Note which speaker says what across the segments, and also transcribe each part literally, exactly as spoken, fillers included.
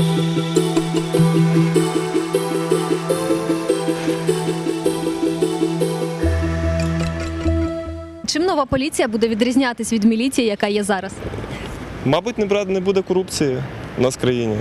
Speaker 1: Чим нова поліція буде відрізнятись від міліції, яка є зараз?
Speaker 2: Мабуть, не бра- не буде корупції у нас в країні.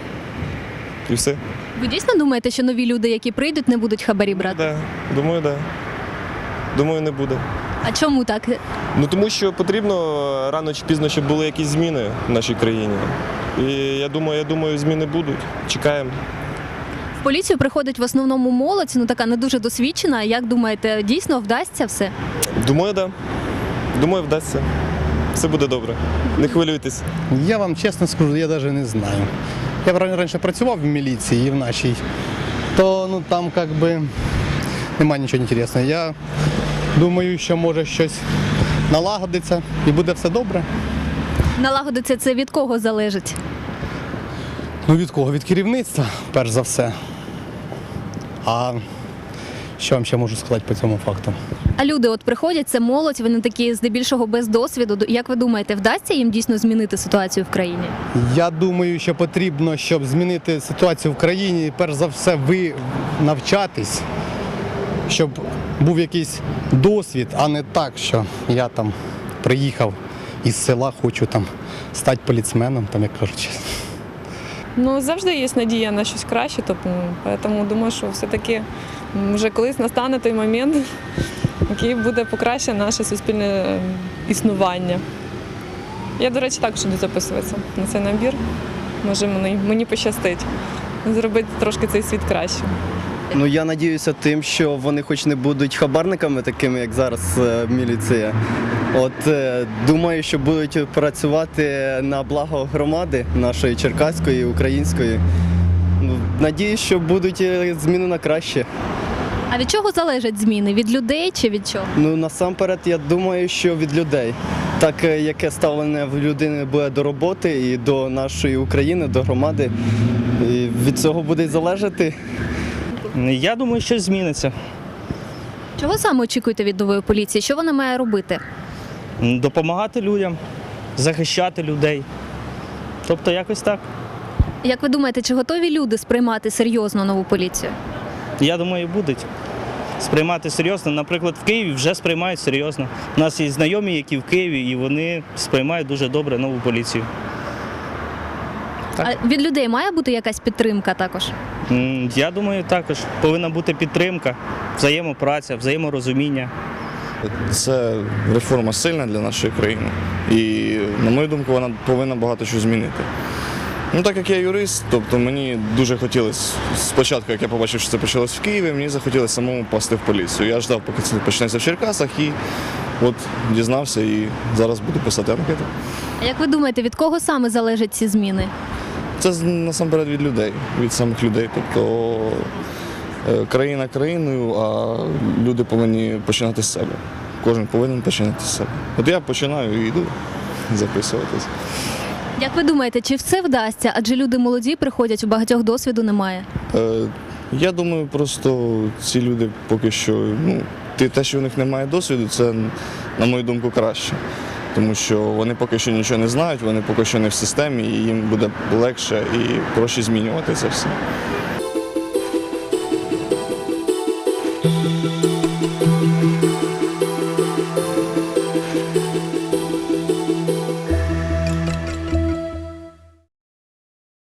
Speaker 2: І все.
Speaker 1: Ви дійсно думаєте, що нові люди, які прийдуть, не будуть хабарі брати?
Speaker 2: Да. Думаю, так. Да. Думаю, не буде.
Speaker 1: А чому так?
Speaker 2: Ну тому що потрібно рано чи пізно, щоб були якісь зміни в нашій країні. І я думаю, я думаю, зміни будуть. Чекаємо.
Speaker 1: В поліцію приходить в основному молодь, ну така не дуже досвідчена. Як думаєте, дійсно вдасться все?
Speaker 2: Думаю, так. Да. Думаю, вдасться. Все буде добре. Не хвилюйтесь.
Speaker 3: Я вам чесно скажу, я навіть не знаю. Я раніше працював в міліції і в нашій, то ну, там як би немає нічого інтересного. Я думаю, що може щось налагодиться і буде все добре.
Speaker 1: Налагодиться це від кого залежить?
Speaker 3: Ну від кого? Від керівництва, перш за все. А що вам ще можу сказати по цьому факту?
Speaker 1: А люди от приходять, це молодь, вони такі здебільшого без досвіду. Як ви думаєте, вдасться їм дійсно змінити ситуацію в країні?
Speaker 3: Я думаю, що потрібно, щоб змінити ситуацію в країні, перш за все, ви навчатись, щоб був якийсь досвід, а не так, що я там приїхав із села, хочу там стати поліцменом, там, як кажуть.
Speaker 4: Ну, завжди є надія на щось краще, тобто, тому думаю, що все-таки вже колись настане той момент, який буде покращити наше суспільне існування. Я, до речі, також буду записуватися на цей набір. Може, мені, мені пощастить зробити трошки цей світ кращим.
Speaker 5: Ну, я надіюся тим, що вони хоч не будуть хабарниками такими, як зараз е, міліція. От е, думаю, що будуть працювати на благо громади нашої черкаської, української. Ну, надіюсь, що будуть е, зміни на краще.
Speaker 1: А від чого залежать зміни? Від людей чи від чого?
Speaker 5: Ну, насамперед, я думаю, що від людей. Так, е, яке ставлення в людини буде до роботи і до нашої України, до громади, і від цього буде й залежати.
Speaker 6: Я думаю, що зміниться.
Speaker 1: Чого саме очікуєте від нової поліції? Що вона має робити?
Speaker 6: Допомагати людям, захищати людей. Тобто якось так.
Speaker 1: Як ви думаєте, чи готові люди сприймати серйозно нову поліцію?
Speaker 6: Я думаю, будуть сприймати серйозно. Наприклад, в Києві вже сприймають серйозно. У нас є знайомі, які в Києві, і вони сприймають дуже добре нову поліцію. Так.
Speaker 1: А від людей має бути якась підтримка також?
Speaker 6: М, Я думаю, також повинна бути підтримка, взаємопраця, взаєморозуміння.
Speaker 7: Це реформа сильна для нашої країни і, на мою думку, вона повинна багато чого змінити. Ну, так як я юрист, тобто мені дуже хотілося, спочатку, як я побачив, що це почалось в Києві, мені захотілося самому попасти в поліцію. Я ждав, поки це почнеться в Черкасах, і от дізнався, і зараз буду писати анкету.
Speaker 1: А як ви думаєте, від кого саме залежать ці зміни?
Speaker 7: Це насамперед від людей, від самих людей. Тобто е, країна країною, а люди повинні починати з себе. Кожен повинен починати з себе. От я починаю і йду записуватись.
Speaker 1: Як ви думаєте, чи все вдасться? Адже люди молоді приходять, у багатьох досвіду немає.
Speaker 7: Е, я думаю, просто ці люди поки що, ну, те, що в них немає досвіду, це, на мою думку, краще. Тому що вони поки що нічого не знають, вони поки що не в системі, і їм буде легше і проще змінювати це все.